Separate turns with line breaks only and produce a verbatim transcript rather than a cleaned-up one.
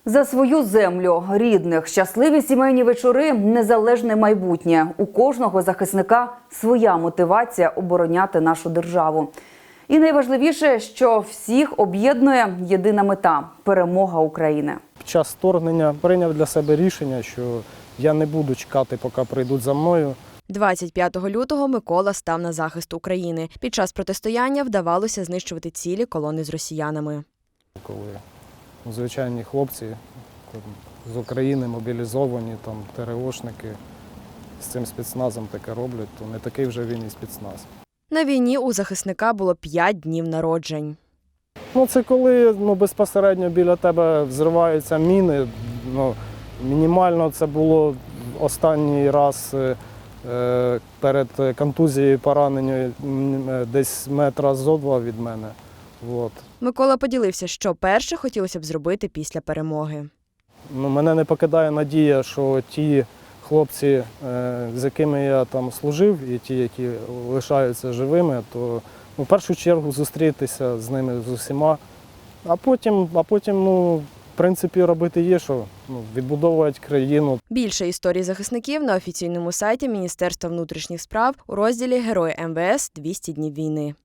За свою землю, рідних, щасливі сімейні вечори, незалежне майбутнє. У кожного захисника своя мотивація обороняти нашу державу. І найважливіше, що всіх об'єднує єдина мета – перемога України.
Під час вторгнення прийняв для себе рішення, що я не буду чекати, поки прийдуть за мною.
двадцять п'ятого лютого Микола став на захист України. Під час протистояння вдавалося знищувати цілі колони з росіянами.
Коли звичайні хлопці з України мобілізовані, там ТРОшники з цим спецназом таке роблять, то не такий вже він і спецназ.
На війні у захисника було п'ять днів народжень.
Ну, це коли ну, безпосередньо біля тебе взриваються міни. Ну, мінімально це було останній раз е, перед контузією, пораненням десь метра зо два від мене. От.
Микола поділився, що перше хотілося б зробити після перемоги.
Ну, мене не покидає надія, що ті хлопці, е, з якими я там служив, і ті, які лишаються живими, то ну, в першу чергу зустрітися з ними з усіма, а потім, а потім ну, в принципі, робити є, що ну, відбудовувати країну.
Більше історій захисників на офіційному сайті Міністерства внутрішніх справ у розділі «Герої ем ве ес. двісті днів війни».